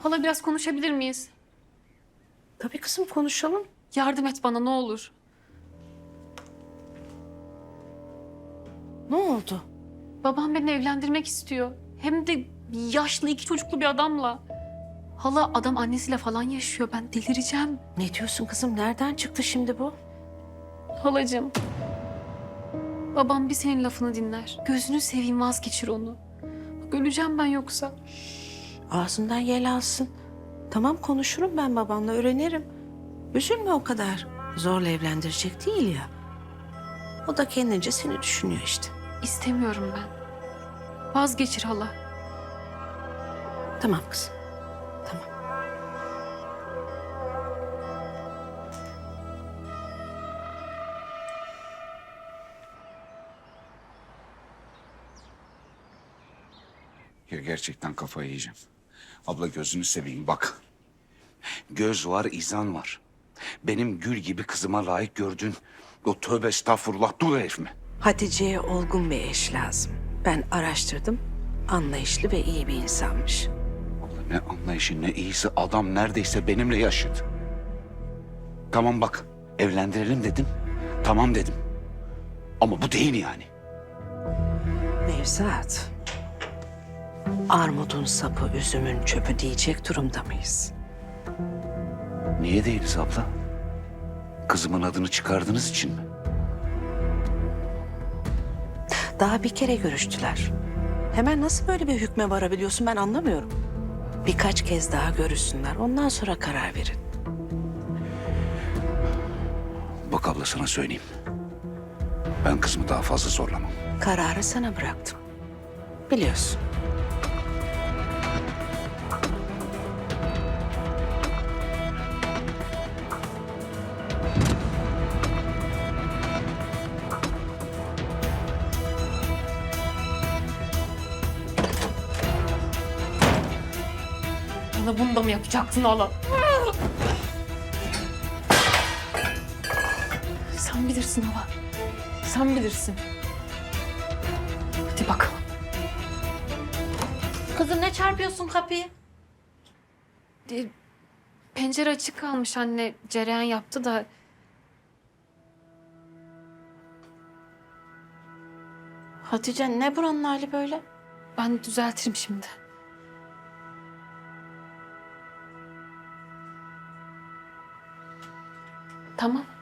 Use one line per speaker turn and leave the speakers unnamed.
Hala biraz konuşabilir miyiz?
Tabii kızım, konuşalım.
Yardım et bana ne olur.
Ne oldu?
Babam beni evlendirmek istiyor. Hem de yaşlı 2 çocuklu bir adamla. Hala adam annesiyle falan yaşıyor. Ben delireceğim.
Ne diyorsun kızım? Nereden çıktı şimdi bu?
Halacığım. Babam bir senin lafını dinler. Gözünü seveyim vazgeçir onu. Bak öleceğim ben yoksa.
Ağzından yel alsın. Tamam, konuşurum ben babanla, öğrenirim. Üzülme o kadar. Zorla evlendirecek değil ya. O da kendince seni düşünüyor işte.
İstemiyorum ben. Vazgeçir hala.
Tamam kızım. Tamam.
Ya gerçekten kafayı yiyeceğim. Abla gözünü seveyim bak. Göz var, izan var. Benim gül gibi kızıma layık gördüğün o tövbe estağfurullah dul herif mi?
Hatice'ye olgun bir eş lazım. Ben araştırdım. Anlayışlı ve iyi bir insanmış.
Abla ne anlayışı ne iyisi adam neredeyse benimle yaşıt. Tamam bak evlendirelim dedim. Tamam dedim. Ama bu değil yani.
Nevzat. Armudun sapı, üzümün çöpü diyecek durumda mıyız?
Niye değiliz abla? Kızımın adını çıkardığınız için mi?
Daha bir kere görüştüler. Hemen nasıl böyle bir hükme varabiliyorsun, ben anlamıyorum. Birkaç kez daha görüşsünler, ondan sonra karar verin.
Bak abla sana söyleyeyim. Ben kızımı daha fazla zorlamam.
Kararı sana bıraktım. Biliyorsun.
Bana bunu da mı yapacaksın hala? Sen bilirsin hala. Sen bilirsin. Hadi bakalım.
Kızım ne çarpıyorsun kapıyı?
Pencere açık kalmış anne. Cereyan yaptı da.
Hatice ne buranın hali böyle?
Ben düzeltirim şimdi. Tamam.